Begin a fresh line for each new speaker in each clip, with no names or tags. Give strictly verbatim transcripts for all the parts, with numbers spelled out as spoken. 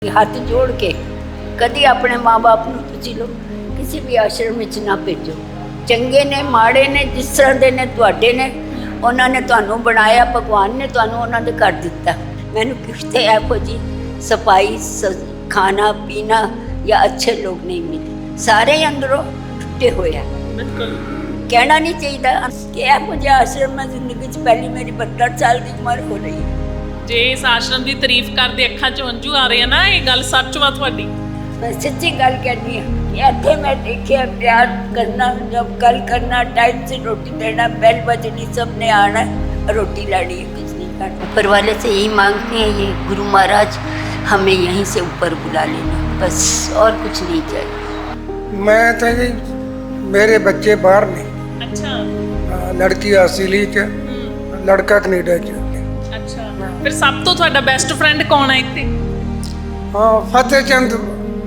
ਹੱਥ ਜੋੜ ਕੇ ਕਦੀ ਆਪਣੇ ਮਾਂ-ਬਾਪ ਨੂੰ ਪੁੱਛ ਲਓ, ਕਿਸੇ ਵੀ ਆਸ਼ਰਮ ਵਿੱਚ ਨਾ ਭੇਜੋ। ਚੰਗੇ ਨੇ ਮਾੜੇ ਨੇ, ਜਿਸ ਤਰ੍ਹਾਂ ਦੇ ਨੇ ਤੁਹਾਡੇ ਨੇ, ਉਹਨਾਂ ਨੇ ਤੁਹਾਨੂੰ ਬਣਾਇਆ, ਭਗਵਾਨ ਨੇ ਤੁਹਾਨੂੰ ਉਹਨਾਂ ਦੇ ਘਰ ਦਿੱਤਾ। ਮੈਨੂੰ ਕਿਤੇ ਇਹੋ ਜਿਹੀ ਸਫਾਈ ਖਾਣਾ ਪੀਣਾ ਜਾਂ ਅੱਛੇ ਲੋਕ ਨਹੀਂ ਮਿਲੇ, ਸਾਰੇ ਅੰਦਰੋਂ ਟੁੱਟੇ ਹੋਏ ਆ। ਕਹਿਣਾ ਨਹੀਂ ਚਾਹੀਦਾ ਕਿ ਇਹੋ ਜਿਹਾ ਆਸ਼ਰਮ ਮੈਂ ਜ਼ਿੰਦਗੀ 'ਚ ਪਹਿਲੀ ਮੇਰੀ ਬਹੱਤਰ ਸਾਲ ਦੀ ਉਮਰ ਹੋ ਰਹੀ ਹੈ।
ਜੇ ਇਸ ਆਸ਼ਰਮ ਦੀ ਤਾਰੀਫ ਕਰਦੇ ਅੱਖਾਂ 'ਚ ਹੰਝੂ ਆ ਰਹੇ ਆ ਨਾ, ਇਹ ਗੱਲ ਸੱਚ ਵਾ ਤੁਹਾਡੀ।
मैं सच्ची गल कहनी है कि इतने मैं देखिए प्यार करना, जब गल करना, टाइम से रोटी देना, बेल बजनी, सब ने आना रोटी लानी है, कुछ नहीं करना। ऊपर वाले से यही मांगते हैं, ये गुरु महाराज हमें यहीं से ऊपर बुला लेना, बस और कुछ नहीं चाहिए।
मैं तो जी मेरे बच्चे बाहर ने।
अच्छा।
हाँ, लड़की ऑस्ट्रेलिया च, लड़का कनेडा च।
अच्छा, फिर सब तो ਤੁਹਾਡਾ ਬੈਸਟ ਫਰੈਂਡ ਕੌਣ ਹੈ ਇੱਥੇ?
हाँ, फतेह चंद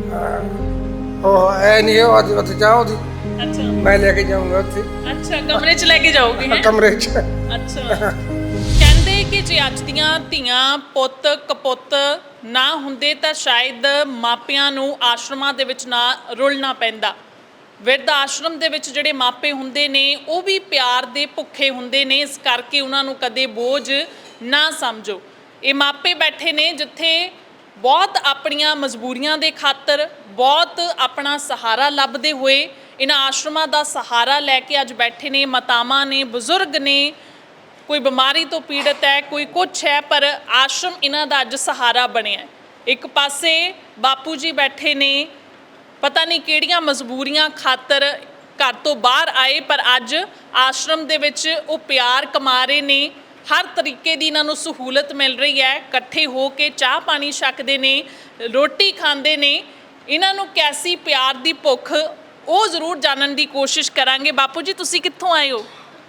ਉਹ ਐ ਨਹੀਂ ਉਹ ਅੱਜ ਉੱਥੇ ਜਾਓ ਦੀ।
ਅੱਛਾ,
ਮੈਂ ਲੈ ਕੇ ਜਾਊਂਗਾ ਉੱਥੇ।
ਅੱਛਾ, ਕਮਰੇ 'ਚ ਲੈ ਕੇ ਜਾਓਗੇ? ਹੈਂ?
ਕਮਰੇ 'ਚ।
ਅੱਛਾ। ਕਹਿੰਦੇ ਕਿ ਜੇ ਅੱਜ ਦੀਆਂ ਧੀਆਂ ਪੁੱਤ ਕਪੁੱਤ ਨਾ ਹੁੰਦੇ ਤਾਂ ਸ਼ਾਇਦ ਮਾਪਿਆਂ ਨੂੰ ਆਸ਼ਰਮਾਂ ਦੇ ਵਿੱਚ ਨਾ ਰੁਲਣਾ ਪੈਂਦਾ। ਬਿਰਧ ਆਸ਼ਰਮ ਦੇ ਵਿੱਚ ਜਿਹੜੇ ਮਾਪੇ ਹੁੰਦੇ ਨੇ ਉਹ ਵੀ ਪਿਆਰ ਦੇ ਭੁੱਖੇ ਹੁੰਦੇ ਨੇ, ਇਸ ਕਰਕੇ ਉਹਨਾਂ ਨੂੰ ਕਦੇ ਬੋਝ ਨਾ ਸਮਝੋ। ਇਹ ਮਾਪੇ ਬੈਠੇ ਨੇ ਜਿੱਥੇ ਬਹੁਤ ਆਪਣੀਆਂ ਮਜਬੂਰੀਆਂ ਦੇ ਖਾਤਰ, ਬਹੁਤ ਆਪਣਾ ਸਹਾਰਾ ਲੱਭਦੇ ਹੋਏ ਇਹਨਾਂ ਆਸ਼ਰਮਾਂ ਦਾ ਸਹਾਰਾ ਲੈ ਕੇ ਅੱਜ ਬੈਠੇ ਨੇ। ਮਾਤਾਵਾਂ ਨੇ, ਬਜ਼ੁਰਗ ਨੇ, ਕੋਈ ਬਿਮਾਰੀ ਤੋਂ ਪੀੜਤ ਹੈ, ਕੋਈ ਕੁਛ ਹੈ, ਪਰ ਆਸ਼ਰਮ ਇਹਨਾਂ ਦਾ ਅੱਜ ਸਹਾਰਾ ਬਣਿਆ। ਇੱਕ ਪਾਸੇ ਬਾਪੂ ਜੀ ਬੈਠੇ ਨੇ, ਪਤਾ ਨਹੀਂ ਕਿਹੜੀਆਂ ਮਜਬੂਰੀਆਂ ਖਾਤਰ ਘਰ ਤੋਂ ਬਾਹਰ ਆਏ, ਪਰ ਅੱਜ ਆਸ਼ਰਮ ਦੇ ਵਿੱਚ ਉਹ ਪਿਆਰ ਕਮਾ ਰਹੇ ਨੇ। ਹਰ ਤਰੀਕੇ ਦੀ ਇਹਨਾਂ ਨੂੰ ਸਹੂਲਤ ਮਿਲ ਰਹੀ ਹੈ, ਇਕੱਠੇ ਹੋ ਕੇ ਚਾਹ ਪਾਣੀ ਛਕਦੇ ਨੇ, ਰੋਟੀ ਖਾਂਦੇ ਨੇ। ਇਹਨਾਂ ਨੂੰ ਕੈਸੀ ਪਿਆਰ ਦੀ ਭੁੱਖ, ਉਹ ਜ਼ਰੂਰ ਜਾਣਨ ਦੀ ਕੋਸ਼ਿਸ਼ ਕਰਾਂਗੇ। ਬਾਪੂ ਜੀ ਤੁਸੀਂ ਕਿੱਥੋਂ ਆਏ ਹੋ?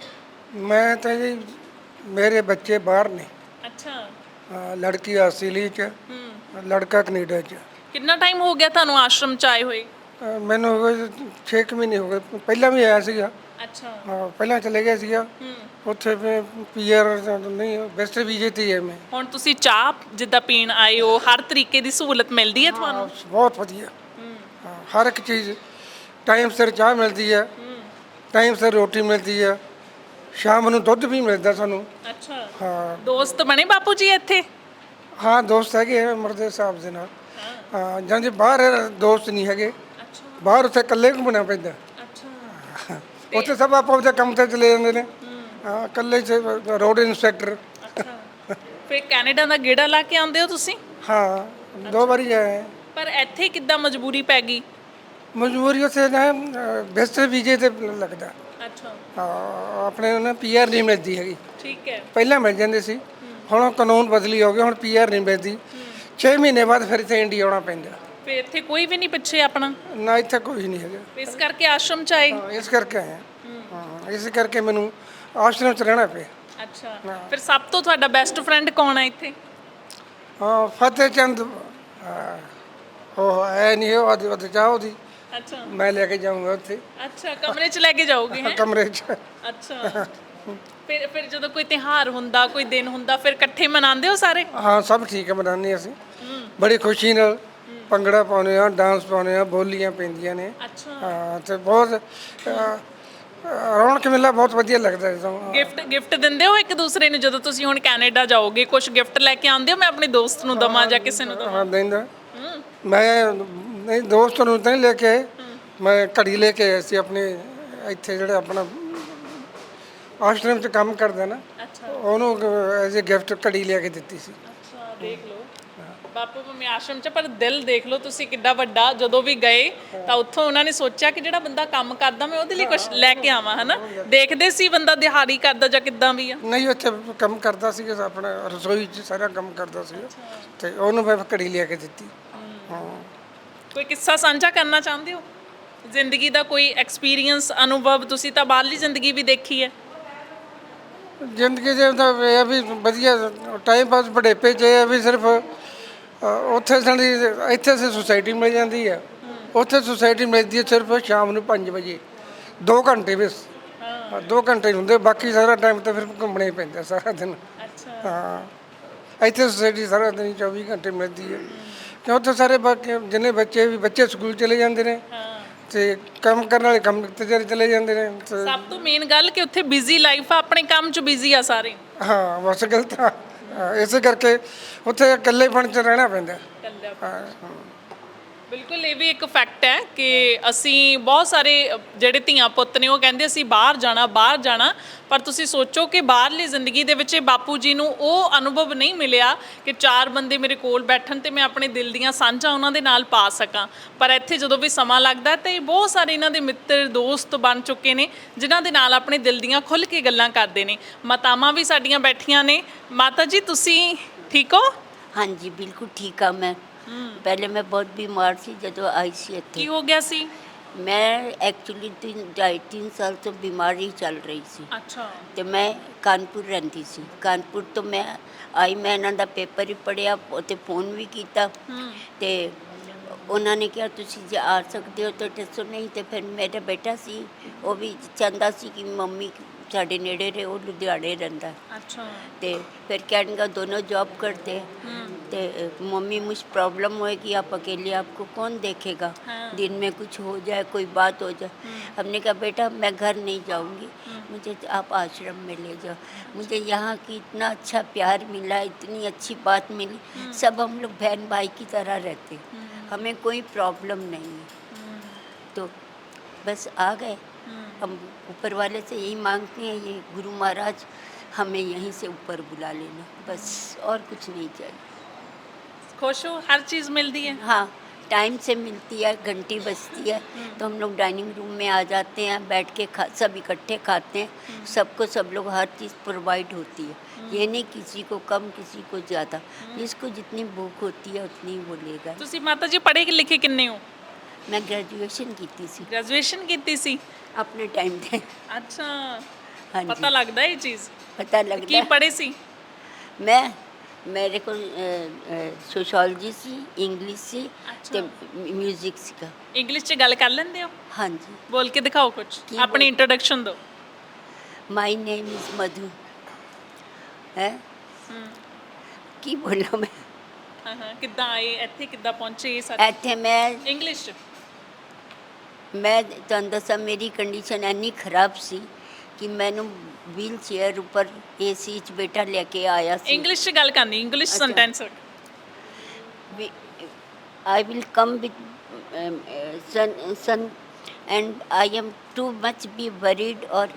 ਮੈਂ ਤਾਂ ਜੀ ਮੇਰੇ ਬੱਚੇ ਬਾਹਰ ਨੇ।
ਅੱਛਾ।
ਹਾਂ, ਲੜਕੀ ਆਸਟ੍ਰੇਲੀਆ ਚ, ਲੜਕਾ ਕੈਨੇਡਾ ਚ।
ਕਿੰਨਾ ਟਾਈਮ ਹੋ ਗਿਆ ਤੁਹਾਨੂੰ ਆਸ਼ਰਮ 'ਚ ਆਏ ਹੋਏ?
ਅ, ਮੈਨੂੰ ਹੋ ਗਏ ਛੇ ਕੁ ਮਹੀਨੇ ਹੋ ਗਏ। ਪਹਿਲਾਂ ਵੀ ਆਇਆ ਸੀਗਾ।
ਅੱਛਾ।
ਹਾਂ, ਪਹਿਲਾਂ ਚਲੇ ਗਿਆ ਸੀਗਾ ਉੱਥੇ। ਫਿਰ ਪੀਆਰ ਨਹੀਂ, ਵੈਸਟ ਵੀਜ਼ੇ ਤੇ ਹੈ ਮੈਂ।
ਹੁਣ ਤੁਸੀਂ ਚਾਹ ਜਿੱਦਾਂ ਪੀਣ ਆਏ ਹੋ, ਹਰ ਤਰੀਕੇ ਦੀ ਸਹੂਲਤ ਮਿਲਦੀ ਹੈ ਤੁਹਾਨੂੰ?
ਬਹੁਤ ਵਧੀਆ। ਹਾਂ, ਹਰ ਇੱਕ ਚੀਜ਼ ਟਾਈਮ ਸਿਰ ਚਾਹ ਮਿਲਦੀ ਹੈ, ਟਾਈਮ ਸਿਰ ਰੋਟੀ ਮਿਲਦੀ ਹੈ, ਸ਼ਾਮ ਨੂੰ ਦੁੱਧ ਵੀ ਮਿਲਦਾ ਸਾਨੂੰ।
ਅੱਛਾ।
ਹਾਂ।
ਦੋਸਤ ਬਣੇ ਬਾਪੂ ਜੀ ਇੱਥੇ?
ਹਾਂ, ਦੋਸਤ ਹੈਗੇ ਆ ਮਰਦੇ ਸਾਹਿਬ ਦੇ ਨਾਲ। ਹਾਂ, ਜਾਂ ਜੇ ਬਾਹਰ ਦੋਸਤ ਨਹੀਂ ਹੈਗੇ, ਬਾਹਰ ਉੱਥੇ ਇਕੱਲੇ ਘੁੰਮਣਾ ਪੈਂਦਾ।
ਅੱਛਾ।
ਉੱਥੇ ਸਭ ਆਪੋ ਆਪਣੇ ਕੰਮ ਤੇ ਚਲੇ ਜਾਂਦੇ ਨੇ। ਹਾਂ, ਇਕੱਲੇ ਚ ਰੋਡ ਇੰਸਪੈਕਟਰ।
ਅੱਛਾ। ਫਿਰ ਕੈਨੇਡਾ ਦਾ ਗੇੜਾ ਲਾ ਕੇ ਆਉਂਦੇ ਹੋ ਤੁਸੀਂ?
ਹਾਂ, ਦੋ ਵਾਰੀ ਆਏ।
ਪਰ ਇੱਥੇ ਕਿੱਦਾਂ ਮਜਬੂਰੀ ਪੈ ਗਈ?
ਮਜਬੂਰੀ ਉੱਥੇ ਨਾ ਵੈਸਟ ਵੀਜ਼ੇ ਤੇ ਲੱਗਦਾ।
ਅੱਛਾ।
ਹਾਂ, ਆਪਣੇ ਨਾ ਪੀਆਰ ਨਹੀਂ ਮਿਲਦੀ ਹੈਗੀ।
ਠੀਕ ਹੈ।
ਪਹਿਲਾਂ ਮਿਲ ਜਾਂਦੇ ਸੀ, ਹੁਣ ਕਾਨੂੰਨ ਬਦਲੀ ਹੋ ਗਿਆ, ਹੁਣ ਪੀਆਰ ਨਹੀਂ ਮਿਲਦੀ। ਛੇ ਮਹੀਨੇ ਬਾਅਦ ਫਿਰ ਇੱਥੇ ਇੰਡੀਆ ਆਉਣਾ ਪੈਂਦਾ।
ਫਿਰ ਇੱਥੇ ਕੋਈ ਵੀ ਨਹੀਂ ਪਿੱਛੇ ਆਪਣਾ?
ਨਾ, ਇੱਥੇ ਕੋਈ ਨਹੀਂ ਹੈਗਾ।
ਇਸ ਕਰਕੇ ਆਸ਼ਰਮ 'ਚ ਆਏ?
ਹਾਂ, ਇਸ ਕਰਕੇ ਆਏ ਹਾਂ। ਇਸ ਕਰਕੇ ਮੈਨੂੰ ਆਸ਼ਰਮ 'ਚ ਰਹਿਣਾ ਪਿਆ।
ਅੱਛਾ। ਫਿਰ ਸਭ ਤੋਂ ਤੁਹਾਡਾ ਬੈਸਟ ਫਰੈਂਡ ਕੌਣ ਹੈ ਇੱਥੇ?
ਹਾਂ, ਫਤਿਹ ਚੰਦ। ਉਹ ਐ ਨਹੀਂ ਉਹ ਅੱਜ ਉੱਥੇ ਜਾਓ ਦੀ।
ਅੱਛਾ।
ਮੈਂ ਲੈ ਕੇ ਜਾਊਂਗਾ ਉੱਥੇ।
ਅੱਛਾ, ਕਮਰੇ 'ਚ ਲੈ ਕੇ ਜਾਓਗੇ? ਹੈਂ?
ਕਮਰੇ 'ਚ।
ਅੱਛਾ। ਫਿਰ ਫਿਰ ਜਦੋਂ ਕੋਈ ਤਿਉਹਾਰ ਹੁੰਦਾ, ਕੋਈ ਦਿਨ ਹੁੰਦਾ, ਫਿਰ ਇਕੱਠੇ ਮਨਾਉਂਦੇ ਹੋ ਸਾਰੇ?
ਹਾਂ, ਸਭ ਠੀਕ ਹੈ, ਮਨਾਉਂਦੇ ਅਸੀਂ ਬੜੀ ਖੁਸ਼ੀ ਨਾਲ। ਭੰਗੜਾ ਪਾਉਂਦੇ ਆ, ਡਾਂਸ ਪਾਉਂਦੇ ਆ, ਬੋਲੀਆਂ ਪੈਂਦੀਆਂ ਨੇ।
ਅੱਛਾ।
ਹਾਂ, ਤੇ ਬਹੁਤ ਰੌਣਕ ਮੇਲਾ ਬਹੁਤ ਵਧੀਆ ਲੱਗਦਾ।
ਗਿਫਟ ਗਿਫਟ ਦਿੰਦੇ ਹੋ ਇੱਕ ਦੂਸਰੇ ਨੂੰ? ਜਦੋਂ ਤੁਸੀਂ ਹੁਣ ਕੈਨੇਡਾ ਜਾਓਗੇ ਕੁਝ ਗਿਫਟ ਲੈ ਕੇ ਆਉਂਦੇ ਹੋ? ਮੈਂ ਆਪਣੇ ਦੋਸਤ ਨੂੰ ਦਵਾਂ ਜਾਂ ਕਿਸੇ ਨੂੰ ਦਵਾਂ?
ਹਾਂ, ਦਿੰਦਾ। ਮੈਂ ਨਹੀਂ, ਦੋਸਤ ਨੂੰ ਤਾਂ ਨਹੀਂ ਲੈ ਕੇ ਆਏ, ਮੈਂ ਘੜੀ ਲੈ ਕੇ ਆਇਆ ਸੀ ਆਪਣੇ ਇੱਥੇ ਜਿਹੜਾ ਆਪਣਾ ਆਸ਼ਰਮ 'ਚ ਕੰਮ ਕਰਦਾ ਨਾ।
ਅੱਛਾ।
ਉਹਨੂੰ ਐਜ਼ ਏ ਗਿਫਟ ਘੜੀ ਲਿਆ ਕੇ ਦਿੱਤੀ ਸੀ।
ਅੱਛਾ, ਦੇਖ ਲਓ ਬਾਪੂ ਮੰਮੀ ਆਸ਼ਰਮ 'ਚ, ਪਰ ਦਿਲ ਦੇਖ ਲਓ ਤੁਸੀਂ ਕਿੱਡਾ ਵੱਡਾ। ਜਦੋਂ ਵੀ ਗਏ ਤਾਂ ਉੱਥੋਂ ਉਹਨਾਂ ਨੇ ਸੋਚਿਆ ਕਿ ਜਿਹੜਾ ਬੰਦਾ ਕੰਮ ਕਰਦਾ ਮੈਂ ਉਹਦੇ ਲਈ ਕੁਝ ਲੈ ਕੇ ਆਵਾਂ, ਹੈ ਨਾ? ਦੇਖਦੇ ਸੀ ਬੰਦਾ ਦਿਹਾੜੀ ਕਰਦਾ ਜਾਂ ਕਿੱਦਾਂ ਵੀ ਆ?
ਨਹੀਂ, ਉੱਥੇ ਕੰਮ ਕਰਦਾ ਸੀ, ਆਪਣਾ ਰਸੋਈ 'ਚ ਸਾਰਾ ਕੰਮ ਕਰਦਾ ਸੀ, ਤੇ ਉਹਨੂੰ ਮੈਂ ਘੜੀ ਲਿਆ ਕੇ ਦਿੱਤੀ। ਹਾਂ।
ਕੋਈ ਕਿੱਸਾ ਸਾਂਝਾ ਕਰਨਾ ਚਾਹੁੰਦੇ ਹੋ? ਜ਼ਿੰਦਗੀ ਦਾ ਕੋਈ ਐਕਸਪੀਰੀਅੰਸ, ਅਨੁਭਵ? ਤੁਸੀਂ ਤਾਂ ਬਾਹਰਲੀ ਜ਼ਿੰਦਗੀ ਵੀ ਦੇਖੀ ਹੈ।
ਜ਼ਿੰਦਗੀ ਦੇ ਤਾਂ ਇਹ ਵੀ ਵਧੀਆ ਟਾਈਮ ਪਾਸ ਬੁਢੇਪੇ 'ਚ ਇਹ ਵੀ ਸਿਰਫ ਉੱਥੇ ਸਾਡੀ ਇੱਥੇ ਸੇ ਸੁਸਾਇਟੀ ਮਿਲ ਜਾਂਦੀ ਹੈ, ਉੱਥੇ ਸੁਸਾਇਟੀ ਮਿਲਦੀ ਹੈ ਸਿਰਫ ਸ਼ਾਮ ਨੂੰ ਪੰਜ ਵਜੇ, ਦੋ ਘੰਟੇ ਬਸ। ਹਾਂ, ਦੋ ਘੰਟੇ ਹੁੰਦੇ, ਬਾਕੀ ਸਾਰਾ ਟਾਈਮ ਤਾਂ ਫਿਰ ਘੁੰਮਣਾ ਹੀ ਪੈਂਦਾ ਸਾਰਾ ਦਿਨ।
ਅੱਛਾ।
ਹਾਂ, ਇੱਥੇ ਸੁਸਾਇਟੀ ਸਾਰਾ ਦਿਨ ਚੌਵੀ ਘੰਟੇ ਮਿਲਦੀ ਹੈ। ਕਿ ਉੱਥੇ ਸਾਰੇ ਬਾਕੀ ਜਿੰਨੇ ਬੱਚੇ ਵੀ ਬੱਚੇ ਸਕੂਲ ਚਲੇ ਜਾਂਦੇ ਨੇ
ਹਾਂ
ਤੇ ਕੰਮ ਕਰਨ ਵਾਲੇ ਕੰਮ ਤੇ ਚਲੇ ਚਲੇ ਜਾਂਦੇ ਨੇ ਤੇ
ਸਭ ਤੋਂ ਮੇਨ ਗੱਲ ਕਿ ਉੱਥੇ ਬਿਜ਼ੀ ਲਾਈਫ ਆ, ਆਪਣੇ ਕੰਮ 'ਚ ਬਿਜ਼ੀ ਆ ਸਾਰੇ।
ਹਾਂ ਬਸ ਗਲਤ ਆ ਹਾਂ, ਇਸੇ ਕਰਕੇ ਉੱਥੇ ਇਕੱਲੇਪਣ 'ਚ ਰਹਿਣਾ ਪੈਂਦਾ ਹਾਂ
ਬਿਲਕੁਲ ਇਹ ਵੀ ਇੱਕ ਫੈਕਟ ਹੈ ਕਿ ਅਸੀਂ ਬਹੁਤ ਸਾਰੇ ਅ, ਜਿਹੜੇ ਧੀਆਂ ਪੁੱਤ ਨੇ ਉਹ ਕਹਿੰਦੇ ਅਸੀਂ ਬਾਹਰ ਜਾਣਾ ਬਾਹਰ ਜਾਣਾ, ਪਰ ਤੁਸੀਂ ਸੋਚੋ ਕਿ ਬਾਹਰਲੀ ਜ਼ਿੰਦਗੀ ਦੇ ਵਿੱਚ ਇਹ ਬਾਪੂ ਜੀ ਨੂੰ ਉਹ ਅਨੁਭਵ ਨਹੀਂ ਮਿਲਿਆ ਕਿ ਚਾਰ ਬੰਦੇ ਮੇਰੇ ਕੋਲ ਬੈਠਣ ਤੇ ਮੈਂ ਆਪਣੇ ਦਿਲ ਦੀਆਂ ਸਾਂਝਾਂ ਉਹਨਾਂ ਦੇ ਨਾਲ ਪਾ ਸਕਾਂ। ਪਰ ਇੱਥੇ ਜਦੋਂ ਵੀ ਸਮਾਂ ਲੱਗਦਾ ਤੇ ਬਹੁਤ ਸਾਰੇ ਇਹਨਾਂ ਦੇ ਮਿੱਤਰ ਦੋਸਤ ਬਣ ਚੁੱਕੇ ਨੇ ਜਿਨ੍ਹਾਂ ਦੇ ਨਾਲ ਆਪਣੇ ਦਿਲ ਦੀਆਂ ਖੁੱਲ੍ਹ ਕੇ ਗੱਲਾਂ ਕਰਦੇ ਨੇ। ਮਾਤਾਵਾਂ ਵੀ ਸਾਡੀਆਂ ਬੈਠੀਆਂ ਨੇ। ਮਾਤਾ ਜੀ ਤੁਸੀਂ ਠੀਕ ਹੋ?
हाँ जी बिल्कुल ठीक हाँ मैं। पहले मैं बहुत बीमार सी जो आई सी
ਕੀ
इत्थे।
ਹੋ ਗਿਆ ਸੀ?
मैं एक्चुअली तीन ढाई तीन साल तो बीमार ही चल रही सी
ਅੱਛਾ
ਤੇ ਮੈਂ ਕਾਨਪੁਰ ਰਹਿੰਦੀ ਸੀ। ਕਾਨਪੁਰ ਤੋਂ ਮੈਂ ਆਈ, ਮੈਂ ਇਹਨਾਂ ਦਾ ਪੇਪਰ ਹੀ ਪੜ੍ਹਿਆ ਤੇ ਫੋਨ ਵੀ ਕੀਤਾ
ਹੂੰ
ਤੇ ਉਹਨਾਂ ਨੇ ਕਿਹਾ ਤੁਸੀਂ ਜੇ ਆ ਸਕਦੇ ਹੋ ਤਾਂ ਦੱਸੋ, ਨਹੀਂ ਤੇ ਫਿਰ ਮੇਰਾ ਬੇਟਾ ਸੀ ਉਹ ਵੀ ਚਾਹੁੰਦਾ ਸੀ ਕਿ ਮੰਮੀ ਸਾਡੇ ਨੇੜੇ ਰਹੇ, ਉਹ ਲੁਧਿਆਣੇ ਰਹਿੰਦਾ
ਅੱਛਾ
ਤੇ फिर कहने दोनों जॉब करते हैं
हम्म,
तो मम्मी मुझ प्रॉब्लम होएगी, आप अकेले आपको कौन देखेगा,
हाँ।
दिन में कुछ हो जाए कोई बात हो जाए। हमने कहा बेटा मैं घर नहीं जाऊंगी, मुझे आप आश्रम में ले जाओ, मुझे यहाँ की इतना अच्छा प्यार मिला, इतनी अच्छी बात मिली, सब हम लोग बहन भाई की तरह रहते, हमें कोई प्रॉब्लम नहीं है। तो बस आ गए हम, ऊपर वाले से यही मांगते हैं, ये गुरु महाराज हमें यहीं से ऊपर बुला लेना, बस और कुछ नहीं चाहिए।
खुश हो? हर चीज़ मिलती है?
हाँ टाइम से मिलती है, घंटी बजती है तो हम लोग डाइनिंग रूम में आ जाते हैं, बैठ के खा सब इकट्ठे खाते हैं, सबको सब लोग हर चीज़ प्रोवाइड होती है। ये नहीं किसी को कम किसी को ज़्यादा, जिसको जितनी भूख होती है उतनी वो लेगा।
ਤੁਸੀਂ ਮਾਤਾ ਜੀ ਪੜ੍ਹੇ ਲਿਖੇ ਕਿੰਨੇ ਹੋ?
मैं ग्रेजुएशन की थी सी
ਗ੍ਰੈਜੂਏਸ਼ਨ ਕੀਤੀ ਸੀ?
अपने टाइम थे।
ਅੱਛਾ
हाँ
ਪਤਾ
जी
ਲੱਗਦਾ ਇਹ ਚੀਜ਼।
पता लगता
ਕੀ
है।
ਪੜ੍ਹੇ ਸੀ?
मैं मेरे को सोशोलॉजी सी, इंग्लिश सी
अच्छा।
ते म्यूजिक सीखा।
ਇੰਗਲਿਸ਼ 'ਚ ਗੱਲ ਕਰ ਲੈਂਦੇ ਹੋ?
हाँ जी।
ਬੋਲ ਕੇ ਦਿਖਾਓ ਕੁਝ,
ਕੀ
ਆਪਣੀ
ਬੋਲ-
ਇੰਟਰੋਡਕਸ਼ਨ ਦਿਓ।
माई नेम इज मधु है की बोला मैं
ਹਾਂ ਹਾਂ ਕਿੱਦਾਂ ਆਏ ਇੱਥੇ, ਕਿੱਦਾਂ ਪਹੁੰਚੇ ਇਹ ਸਾਰੇ?
ਇੱਥੇ ਮੈਂ
ਇੰਗਲਿਸ਼ 'ਚ?
ਮੈਂ ਤੁਹਾਨੂੰ ਦੱਸਾਂ ਮੇਰੀ ਕੰਡੀਸ਼ਨ ਇੰਨੀ ਖਰਾਬ ਸੀ ਕਿ ਮੈਨੂੰ ਵੀਲ ਚੇਅਰ ਉੱਪਰ ਏਸੀ 'ਚ ਬੇਟਾ ਲੈ ਕੇ ਆਇਆ ਸੀ।
ਇੰਗਲਿਸ਼ 'ਚ ਗੱਲ ਕਰਨੀ, ਇੰਗਲਿਸ਼
ਅੱਛਾ।
Sentence.
I will come with um, uh, son, son and I am too much be worried or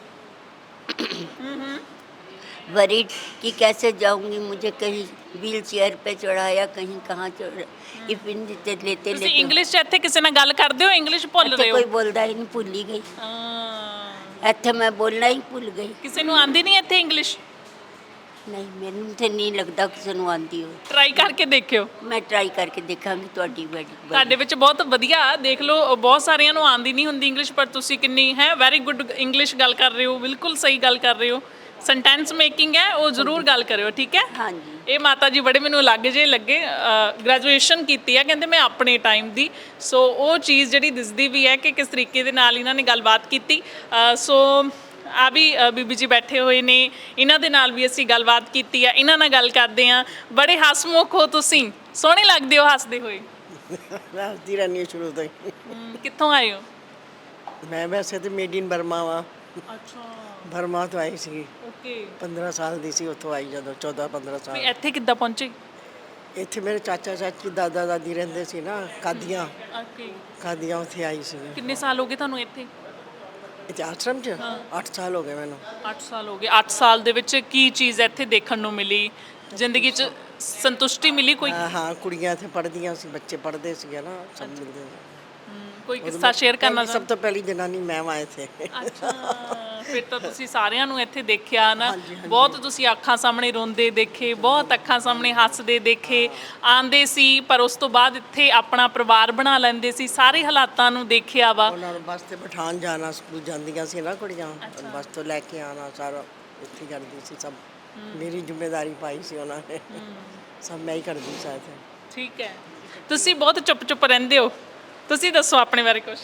worried कि कैसे जाऊंगी, मुझे कहीं व्हील चेयर पे चढ़ाया, कहीं कहाँ चढ़ा, टिफिन लेते लेते
ਤੁਸੀਂ
लेते
ਇੰਗਲਿਸ਼ 'ਚ ਇੱਥੇ ਕਿਸੇ ਨਾਲ ਗੱਲ ਕਰਦੇ ਹੋ, ਇੰਗਲਿਸ਼ ਭੁੱਲ
ਇੱਥੇ
ਰਹੇ ਹੋ?
ਕੋਈ ਬੋਲਦਾ ਹੀ ਨਹੀਂ, ਭੁੱਲ ਹੀ ਗਈ।
ਹਾਂ
ਇੱਥੇ ਮੈਂ ਬੋਲਣਾ ਹੀ ਭੁੱਲ ਗਈ।
ਕਿਸੇ ਨੂੰ ਆਂਦੀ ਨਹੀਂ ਇੱਥੇ ਇੰਗਲਿਸ਼?
ਨਹੀਂ ਮੈਨੂੰ ਤੇ ਨਹੀਂ ਲੱਗਦਾ ਕਿਸੇ ਨੂੰ ਆਉਂਦੀ ਹੋ।
ਟਰਾਈ ਕਰਕੇ ਦੇਖਿਓ।
ਮੈਂ ਟਰਾਈ ਕਰਕੇ ਦੇਖਾਂਗੀ ਤੁਹਾਡੀ ਬੜੀ
ਤੁਹਾਡੇ ਵਿੱਚ ਬਹੁਤ ਵਧੀਆ, ਦੇਖ ਲਓ ਬਹੁਤ ਸਾਰਿਆਂ ਨੂੰ ਆਂਦੀ ਨਹੀਂ ਹੁੰਦੀ ਇੰਗਲਿਸ਼, ਪਰ ਤੁਸੀਂ ਕਿੰਨੀ ਹੈ ਵੈਰੀ ਗੁੱਡ ਇੰਗਲਿਸ਼ ਗੱਲ ਕਰ ਰਹੇ ਹੋ, ਬਿਲਕੁਲ ਸਹੀ ਗੱਲ ਕਰ ਰਹੇ ਹੋ। ਸੈਂਟੈਂਸ ਮੇਕਿੰਗ ਹੈ ਉਹ ਜ਼ਰੂਰ ਗੱਲ ਕਰਿਓ, ਠੀਕ ਹੈ?
ਹਾਂਜੀ।
ਇਹ ਮਾਤਾ ਜੀ ਬੜੇ ਮੈਨੂੰ ਅਲੱਗ ਜੇ ਲੱਗੇ, ਗ੍ਰੈਜੂਏਸ਼ਨ ਕੀਤੀ ਹੈ ਕਹਿੰਦੇ ਮੈਂ ਆਪਣੇ ਟਾਈਮ ਦੀ, ਸੋ ਉਹ ਚੀਜ਼ ਜਿਹੜੀ ਦਿਸਦੀ ਵੀ ਹੈ ਕਿ ਕਿਸ ਤਰੀਕੇ ਦੇ ਨਾਲ ਇਹਨਾਂ ਨੇ ਗੱਲਬਾਤ ਕੀਤੀ। ਅ, ਸੋ ਆ ਵੀ ਅ, ਬੀਬੀ ਜੀ ਬੈਠੇ ਹੋਏ ਨੇ, ਇਹਨਾਂ ਦੇ ਨਾਲ ਵੀ ਅਸੀਂ ਗੱਲਬਾਤ ਕੀਤੀ ਹੈ, ਇਹਨਾਂ ਨਾਲ ਗੱਲ ਕਰਦੇ ਹਾਂ। ਬੜੇ ਹਸਮੁਖ ਹੋ ਤੁਸੀਂ, ਸੋਹਣੇ ਲੱਗਦੇ ਹੋ ਹੱਸਦੇ ਹੋਏ।
ਮੈਂ ਹੱਸਦੀ ਰਹਿੰਦੀ ਹਾਂ ਸ਼ੁਰੂ ਤੋਂ ਹੀ।
ਹਮ, ਕਿੱਥੋਂ ਆਏ ਹੋ?
ਮੈਂ ਵੈਸੇ ਤਾਂ ਮੇਡ ਇਨ ਬਰਮਾ ਵਾਂ,
ਅੱਛਾ
ਬਰਮਾ ਤੋਂ ਆਈ ਸੀ,
ਓਕੇ।
ਪੰਦਰਾਂ ਸਾਲ ਦੀ ਸੀ ਉੱਥੋਂ ਆਈ, ਜਦੋਂ ਚੌਦਾਂ ਪੰਦਰਾਂ
ਵੀ
ਸਾਲ।
ਇੱਥੇ ਕਿੱਦਾਂ ਪਹੁੰਚੇ?
ਇੱਥੇ ਮੇਰੇ ਚਾਚਾ ਚਾਚੀ ਦਾਦਾ ਦਾਦੀ ਰਹਿੰਦੇ ਸੀ ਨਾ, ਕਾਦੀਆਂ
ਓਕੇ।
ਕਾਦੀਆਂ, ਉੱਥੇ ਆਈ ਸੀ।
ਕਿੰਨੇ ਸਾਲ ਹੋ ਗਏ ਤੁਹਾਨੂੰ ਇੱਥੇ?
ਇੱਥੇ ਆਸ਼ਰਮ 'ਚ
ਹਾਂ।
ਅੱਠ ਸਾਲ ਹੋ ਗਏ ਮੈਨੂੰ।
ਅੱਠ ਸਾਲ ਹੋ ਗਏ। ਅੱਠ ਸਾਲ ਦੇ ਵਿੱਚ ਕੀ ਚੀਜ਼ ਇੱਥੇ ਦੇਖਣ ਨੂੰ ਮਿਲੀ, ਜ਼ਿੰਦਗੀ 'ਚ ਸੰਤੁਸ਼ਟੀ ਮਿਲੀ ਕੋਈ?
ਹਾਂ ਹਾਂ, ਕੁੜੀਆਂ ਇੱਥੇ ਪੜ੍ਹਦੀਆਂ ਸੀ, ਬੱਚੇ ਪੜ੍ਹਦੇ ਸੀਗੇ ਨਾ, ਸਭ ਮਿਲਦੇ ਸੀ।
ਹਮ, ਕੋਈ ਕਿੱਸਾ ਸ਼ੇਅਰ ਕਰਨਾ
ਪਹਿਲੀ- ਸਭ ਤੋਂ ਪਹਿਲੀ ਜਨਾਨੀ ਮੈਂ ਵਾਂ ਇੱਥੇ।
ਅੱਛਾ, ਫਿਰ ਤਾਂ ਤੁਸੀਂ ਸਾਰਿਆਂ ਨੂੰ ਇੱਥੇ ਦੇਖਿਆ ਨਾ,
ਹਾਂਜੀ, ਹਾਂਜੀ।
ਬਹੁਤ ਤੁਸੀਂ ਅੱਖਾਂ ਸਾਹਮਣੇ ਰੋਂਦੇ ਦੇਖੇ, ਬਹੁਤ ਅੱਖਾਂ ਸਾਹਮਣੇ ਹੱਸਦੇ ਦੇਖੇ, ਆਂਦੇ ਸੀ ਪਰ ਉਸ ਤੋਂ ਬਾਅਦ ਇੱਥੇ ਆਪਣਾ ਪਰਿਵਾਰ ਬਣਾ ਲੈਂਦੇ ਸੀ, ਸਾਰੇ ਹਾਲਾਤਾਂ ਨੂੰ ਦੇਖਿਆ ਵਾ।
ਉਹਨਾਂ ਨੂੰ ਬੱਸ ਤੇ ਬਿਠਾਉਣ ਜਾਣਾ, ਸਕੂਲ ਜਾਂਦੀਆਂ ਸੀ ਨਾ ਕੁੜੀਆਂ, ਬੱਸ ਤੋਂ ਲੈ ਕੇ ਆਉਣਾ, ਸਾਰਾ ਇੱਥੇ ਕਰਦੀ ਸੀ, ਸਭ ਮੇਰੀ ਜ਼ਿੰਮੇਵਾਰੀ ਪਾਈ ਸੀ ਉਹਨਾਂ ਨੇ, ਸਭ ਮੈਂ ਹੀ ਕਰਦੀ ਸੀ ਇੱਥੇ।
ਠੀਕ ਹੈ, ਤੁਸੀਂ ਬਹੁਤ ਚੁੱਪ ਚੁੱਪ ਰਹਿੰਦੇ ਹੋ, ਤੁਸੀਂ ਦੱਸੋ ਆਪਣੇ ਬਾਰੇ ਕੁਝ।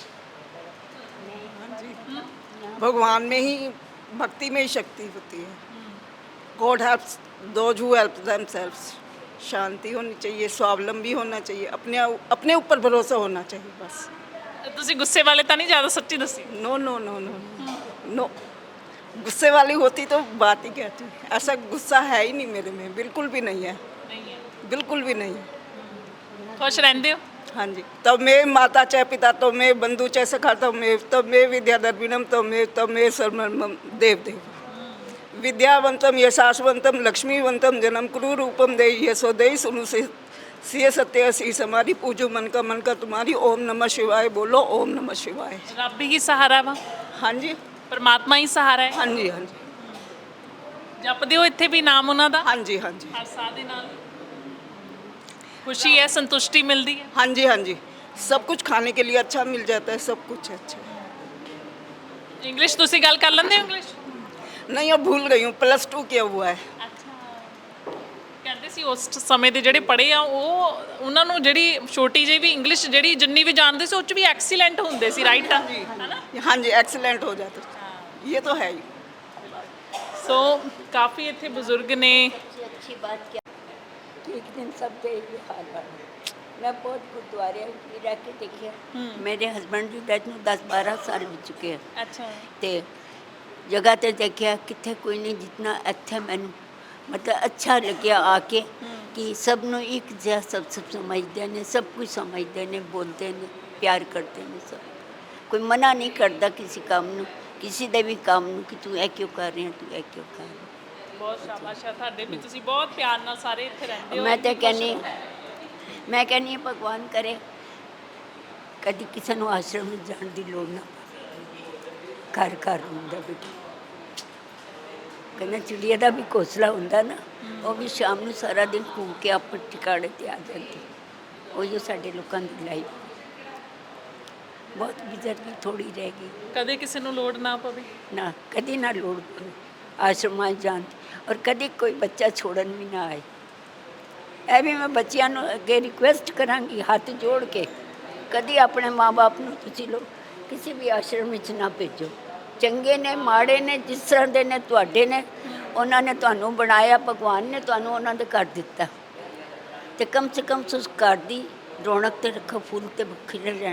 भगवान में ही, भक्ति में ही शक्ति होती है। God helps those who help themselves. शांति होनी चाहिए, स्वावलंबी होना चाहिए, अपने अपने ऊपर भरोसा होना चाहिए बस।
ਤੁਸੀਂ ਗੁੱਸੇ ਵਾਲੇ ਤਾਂ ਨਹੀਂ ਜ਼ਿਆਦਾ, ਸੱਚੀ ਦੱਸੀ।
No no no no no, गुस्से वाली होती तो बात ही कहती। ऐसा गुस्सा है ही नहीं मेरे में, बिल्कुल भी नहीं है,
ਨਹੀਂ ਹੈ।
बिल्कुल भी नहीं।
ਖੁਸ਼ ਰਹਿੰਦੇ ਹੋ?
हाँ जी, तब मैं माता चाहे पिता, तो मैं बंधु चाहे सखा, तब मैं तब मैं विद्याधर्मिणम, तब मैं तब मैं सर्वम देव देव विद्यावंतम यशासवंतम लक्ष्मीवंतम जन्म कुरु रूपम दे यशोदय सुनु से सिय सत्य शीस हमारी पूजो मन का मन का तुम्हारी। ओम नमः शिवाय बोलो, ओम नमः शिवाय।
ਰੱਬ ਹੀ ਸਹਾਰਾ ਵਾ,
हाँ जी,
ਪਰਮਾਤਮਾ ਹੀ ਸਹਾਰਾ ਹੈ।
हाँ जी, हाँ जी,
ਜਪਦੇ ਹੋ ਇੱਥੇ ਵੀ ਨਾਮ ਉਹਨਾਂ ਦਾ
हाँ जी, हाँ जी,
ਹਰ ਸਾਹ ਦੇ ਨਾਲ? ਖੁਸ਼ੀ ਹੈ, ਸੰਤੁਸ਼ਟੀ ਮਿਲਦੀ ਹੈ?
हाँ जी, हाँ जी। सब कुछ खाने के लिए अच्छा मिल जाता है, सब कुछ अच्छा।
ਇੰਗਲਿਸ਼ ਤੁਸੀਂ ਗੱਲ ਕਰ ਲੈਂਦੇ ਹੋ? ਇੰਗਲਿਸ਼
नहीं, अब भूल गई हूँ, प्लस टू किया हुआ है।
ਅੱਛਾ। ਕਹਿੰਦੇ ਸੀ ਉਸ ਸਮੇਂ ਦੇ ਜਿਹੜੇ ਪੜ੍ਹੇ ਆ ਉਹ, ਉਹਨਾਂ ਨੂੰ ਜਿਹੜੀ ਛੋਟੀ ਜਿਹੀ ਵੀ ਇੰਗਲਿਸ਼ ਜਿਹੜੀ ਜਿੰਨੀ ਵੀ ਜਾਣਦੇ ਸੀ ਉਹ 'ਚ ਵੀ ਐਕਸੀਲੈਂਟ ਹੁੰਦੇ ਸੀ, ਰਾਈਟ? ਹੈਨਾ?
हाँ जी, एक्सीलेंट हो जाता है, ये तो है ही।
ਸੋ ਕਾਫੀ ਇੱਥੇ ਬਜ਼ੁਰਗ ਨੇ।
सबसे अच्छी बात क्या कि एक दिन सब का ये हाल है। मैं बहुत गुरुद्वारे भी रह के देखिए, मेरे हस्बैंड की डेथ में दस बारह साल हो चुके हैं,
ਅੱਛਾ।
ਤੇ ਜਗ੍ਹਾ ਤੇ ਦੇਖਿਆ ਕਿੱਥੇ ਕੋਈ ਨਹੀਂ, ਜਿੰਨਾ ਇੱਥੇ ਮੈਨੂੰ ਮਤਲਬ ਅੱਛਾ ਲੱਗਿਆ ਆ ਕੇ ਕਿ ਸਭ ਨੂੰ ਇੱਕ ਜਿਹਾ ਸਭ ਸਭ ਸਮਝਦੇ ਨੇ, ਸਭ ਕੁਝ ਸਮਝਦੇ ਨੇ, ਬੋਲਦੇ ਨੇ, ਪਿਆਰ ਕਰਦੇ ਨੇ ਸਭ। ਕੋਈ ਮਨਾ ਨਹੀਂ ਕਰਦਾ ਕਿਸੇ ਕੰਮ ਨੂੰ, ਕਿਸੇ ਦੇ ਵੀ ਕੰਮ ਨੂੰ ਕਿ ਤੂੰ ਇਹ ਕਿਉਂ ਕਰ ਰਹੀ ਹੈ, ਤੂੰ ਇਹ ਕਿਉਂ ਕਰ ਰਹੀ ਹੈ।
ਬਹੁਤ ਸ਼ਾਬਾਸ਼ ਹੈ ਤੁਹਾਡੇ ਵੀ, ਤੁਸੀਂ ਬਹੁਤ ਪਿਆਰ ਨਾਲ ਸਾਰੇ ਇੱਥੇ ਰਹਿੰਦੇ ਹੋ।
ਮੈਂ ਤਾਂ ਕਹਿੰਦੀ ਮੈਂ ਕਹਿੰਦੀ ਹਾਂ ਭਗਵਾਨ ਕਰੇ ਕਦੀ ਕਿਸੇ ਨੂੰ ਆਸ਼ਰਮ ਵਿੱਚ ਜਾਣ ਦੀ ਲੋੜ ਨਾ ਪਵੇ। ਘਰ ਘਰ ਹੁੰਦਾ ਬੇਟਾ, ਕਹਿੰਦਾ ਚਿੜੀਆ ਦਾ ਵੀ ਘੋਂਸਲਾ ਹੁੰਦਾ ਨਾ, ਉਹ ਵੀ ਸ਼ਾਮ ਨੂੰ ਸਾਰਾ ਦਿਨ ਘੁੰਮ ਕੇ ਆਪਣੇ ਟਿਕਾਣੇ 'ਤੇ ਆ ਜਾਂਦੀ। ਉਹੀ ਸਾਡੇ ਲੋਕਾਂ ਦੀ ਲਾਈਫ ਬਹੁਤ ਗੁਜ਼ਰਦੀ, ਥੋੜੀ ਰਹਿ ਗਈ।
ਕਦੇ ਕਿਸੇ ਨੂੰ ਲੋੜ ਨਾ ਪਵੇ।
ਨਾ ਕਦੀ ਨਾ ਲੋੜ ਪਵੇ ਆਸ਼ਰਮਾਂ 'ਚ ਜਾਣ ਦੀ, ਔਰ ਕਦੀ ਕੋਈ ਬੱਚਾ ਛੋੜਨ ਵੀ ਨਾ ਆਏ। ਇਹ ਵੀ ਮੈਂ ਬੱਚਿਆਂ ਨੂੰ ਅੱਗੇ ਰਿਕੁਐਸਟ ਕਰਾਂਗੀ ਹੱਥ ਜੋੜ ਕੇ, ਕਦੀ ਆਪਣੇ ਮਾਂ-ਬਾਪ ਨੂੰ ਤੁਸੀਂ ਲੋਕ ਕਿਸੇ ਵੀ ਆਸ਼ਰਮ ਵਿੱਚ ਨਾ ਭੇਜੋ। ਚੰਗੇ ਨੇ ਮਾੜੇ ਨੇ, ਜਿਸ ਤਰ੍ਹਾਂ ਦੇ ਨੇ ਤੁਹਾਡੇ ਨੇ, ਉਹਨਾਂ ਨੇ ਤੁਹਾਨੂੰ ਬਣਾਇਆ, ਭਗਵਾਨ ਨੇ ਤੁਹਾਨੂੰ ਉਹਨਾਂ ਦੇ ਘਰ ਦਿੱਤਾ, ਤੇ ਕਮ ਸੇ ਕਮ ਉਸ ਘਰ ਦੀ ਰੌਣਕ ਤੇ ਰੱਖੋ, ਫੁੱਲ ਤੇ ਖਿਲੇ ਰਹਿਣ।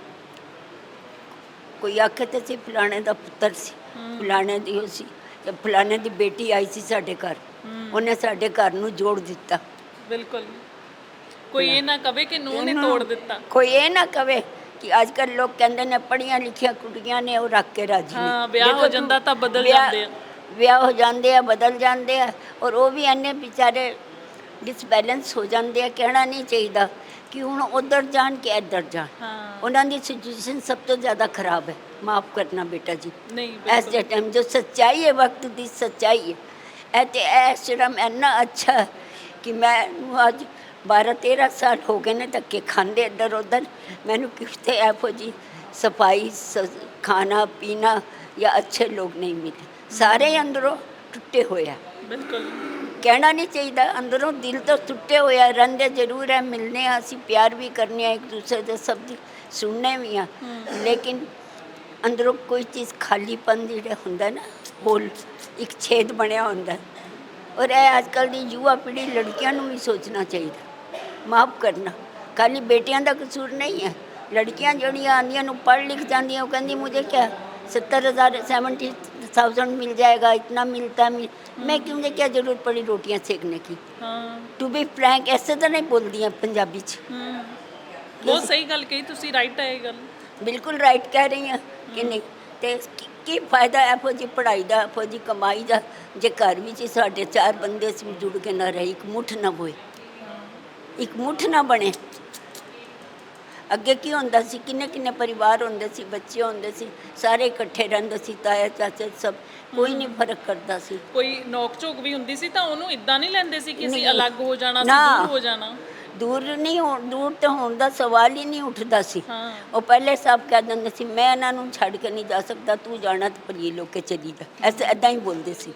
ਕੋਈ ਆਖੇ ਤੇ ਸੀ ਫਲਾਣੇ ਦਾ ਪੁੱਤਰ ਸੀ, ਫਲਾਣੇ ਦੀ ਉਹ ਸੀ, ਤੇ ਫਲਾਣੇ ਦੀ ਬੇਟੀ ਆਈ ਸੀ ਸਾਡੇ ਘਰ, ਉਹਨੇ ਸਾਡੇ ਘਰ ਨੂੰ ਜੋੜ ਦਿੱਤਾ।
ਬਿਲਕੁਲ। ਕੋਈ ਇਹ ਨਾ ਕਵੇ ਕਿ ਨੂੰਹ ਨੇ ਤੋੜ ਦਿੱਤਾ।
ਕੋਈ ਇਹ ਨਾ ਕਵੇ ਕਿ ਅੱਜ ਕੱਲ੍ਹ ਲੋਕ ਕਹਿੰਦੇ ਨੇ ਪੜ੍ਹੀਆਂ ਲਿਖੀਆਂ ਕੁੜੀਆਂ ਨੇ ਉਹ ਰੱਖ ਕੇ ਰਾਜੀ ਨੇ।
ਹਾਂ, ਵਿਆਹ ਹੋ
ਦੇਖੋ
ਜਾਂਦਾ ਤਾਂ ਬਦਲ
ਵਿਆਹ-
ਜਾਂਦੇ ਆ।
ਵਿਆਹ ਹੋ ਜਾਂਦੇ ਆ, ਬਦਲ ਜਾਂਦੇ ਆ, ਔਰ ਉਹ ਵੀ ਇੰਨੇ ਵਿਚਾਰੇ ਡਿਸਬੈਲੈਂਸ ਹੋ ਜਾਂਦੇ ਆ। ਕਹਿਣਾ ਨਹੀਂ ਚਾਹੀਦਾ ਕਿ ਹੁਣ ਉੱਧਰ ਜਾਣ ਕਿ ਇੱਧਰ ਜਾਣ।
ਹਾਂ।
ਉਹਨਾਂ ਦੀ ਸਿਚੁਏਸ਼ਨ ਸਭ ਤੋਂ ਜ਼ਿਆਦਾ ਖਰਾਬ ਹੈ। ਮਾਫ ਕਰਨਾ ਬੇਟਾ ਜੀ,
ਨਹੀਂ
ਐਸ ਦੇ ਟਾਈਮ ਜੋ ਸੱਚਾਈ ਹੈ, ਵਕਤ ਦੀ ਸੱਚਾਈ ਹੈ। ਇਹ ਤੇ ਇਹ ਆਸ਼ਰਮ ਇੰਨਾ ਅੱਛਾ ਹੈ ਕਿ ਮੈਨੂੰ ਅੱਜ ਬਾਰਾਂ ਤੇਰਾਂ ਸਾਲ ਹੋ ਗਏ ਨੇ ਧੱਕੇ ਖਾਂਦੇ ਇੱਧਰ ਉੱਧਰ। ਮੈਨੂੰ ਕਿਤੇ ਇਹੋ ਜਿਹੀ ਸਫਾਈ, ਖਾਣਾ ਪੀਣਾ ਜਾਂ ਅੱਛੇ ਲੋਕ ਨਹੀਂ ਮਿਲੇ। ਸਾਰੇ ਅੰਦਰੋਂ ਟੁੱਟੇ ਹੋਏ ਆ।
ਬਿਲਕੁਲ।
ਕਹਿਣਾ ਨਹੀਂ ਚਾਹੀਦਾ, ਅੰਦਰੋਂ ਦਿਲ ਤੋਂ ਟੁੱਟੇ ਹੋਇਆ। ਰਹਿੰਦੇ ਜ਼ਰੂਰ ਹੈ, ਮਿਲਨੇ ਆ, ਅਸੀਂ ਪਿਆਰ ਵੀ ਕਰਨੇ ਆ ਇੱਕ ਦੂਸਰੇ ਦੇ, ਸਭ ਦੀ ਸੁਣਨੇ ਵੀ ਆ, ਲੇਕਿਨ ਅੰਦਰੋਂ ਕੋਈ ਚੀਜ਼ ਖਾਲੀਪਨ ਜਿਹੜਾ ਹੁੰਦਾ ਨਾ, ਹੋਲ ਇੱਕ ਛੇਦ ਬਣਿਆ ਹੁੰਦਾ। ਔਰ ਇਹ ਅੱਜ ਕੱਲ੍ਹ ਦੀ ਯੁਵਾ ਪੀੜ੍ਹੀ, ਲੜਕੀਆਂ ਨੂੰ ਵੀ ਸੋਚਣਾ ਚਾਹੀਦਾ। ਮਾਫ ਕਰਨਾ, ਖਾਲੀ ਬੇਟਿਆਂ ਦਾ ਕਸੂਰ ਨਹੀਂ ਹੈ। ਲੜਕੀਆਂ ਜਿਹੜੀਆਂ ਆਉਂਦੀਆਂ ਨੂੰ ਪੜ੍ਹ ਲਿਖ ਜਾਂਦੀਆਂ, ਉਹ ਕਹਿੰਦੀ ਮੁਝੇ ਕਿਆ सत्तर हज़ार सेवेंटी थाउजेंड मिल जाएगा, इतना मिलता मिल मैं क्यों, मुझे क्या ज़रूरत पड़ी रोटियां सेकने की।
ਹਾਂ।
टू बी फ्रैंक ऐसे तो नहीं बोलती हैं पंजाबी च।
ਹੂੰ, ਬਹੁਤ ਸਹੀ ਗੱਲ ਕਹੀ ਤੁਸੀਂ, ਰਾਈਟ ਹੈ ਇਹ ਗੱਲ।
बिल्कुल राइट कह रही हैं कि नहीं। तो की, की फायदा ਇਹੋ ਜਿਹੀ ਪੜ੍ਹਾਈ ਦਾ, ਇਹੋ ਜਿਹੀ ਕਮਾਈ ਦਾ, ਜੇ ਘਰ ਵਿੱਚ ਹੀ ਸਾਡੇ ਚਾਰ ਬੰਦੇ ਸੀ ਜੁੜ ਕੇ ਨਾ ਰਹੇ, ਇੱਕ ਮੁੱਠ ਨਾ ਹੋਏ, ਇੱਕ ਮੁੱਠ ਨਾ ਬਣੇ। ਅੱਗੇ ਕੀ ਹੁੰਦਾ ਸੀ, ਕਿੰਨੇ ਕਿੰਨੇ ਪਰਿਵਾਰ ਹੁੰਦੇ ਸੀ, ਬੱਚੇ ਹੁੰਦੇ ਸੀ, ਸਾਰੇ ਇਕੱਠੇ ਰਹਿੰਦੇ ਸੀ, ਤਾਇਆ ਚਾਚਾ ਸਭ, ਕੋਈ ਨਹੀਂ ਫਰਕ ਕਰਦਾ ਸੀ।
ਕੋਈ ਨੋਕ ਝੋਕ ਵੀ ਹੁੰਦੀ ਸੀ ਤਾਂ ਉਹਨੂੰ ਇਦਾਂ ਨਹੀਂ ਲੈਂਦੇ ਸੀ ਕਿ ਅਸੀਂ
ਨਹੀਂ।
ਅਲੱਗ ਹੋ ਜਾਣਾ ਸੀ,
ਨਾ।
ਦੂਰ ਹੋ ਜਾਣਾ।
ਦੂਰ ਨਹੀਂ ਹੋ, ਦੂਰ ਤੇ ਹੋਣ ਦਾ ਸਵਾਲ ਹੀ ਨਹੀਂ ਉੱਠਦਾ ਸੀ।
ਹਾਂ।
ਉਹ ਪਹਿਲੇ ਸਭ ਕਹਿ ਦਿੰਦੇ ਸੀ ਮੈਂ ਇਹਨਾਂ ਨੂੰ ਛੱਡ ਕੇ ਨਹੀਂ ਜਾ ਸਕਦਾ, ਤੂੰ ਜਾਣਾ ਤਾਂ ਭਲੀਏ ਲੋਕੇ ਚਲੀ ਜਾ, ਐਸੇ ਐਦਾਂ ਹੀ ਬੋਲਦੇ ਸੀ,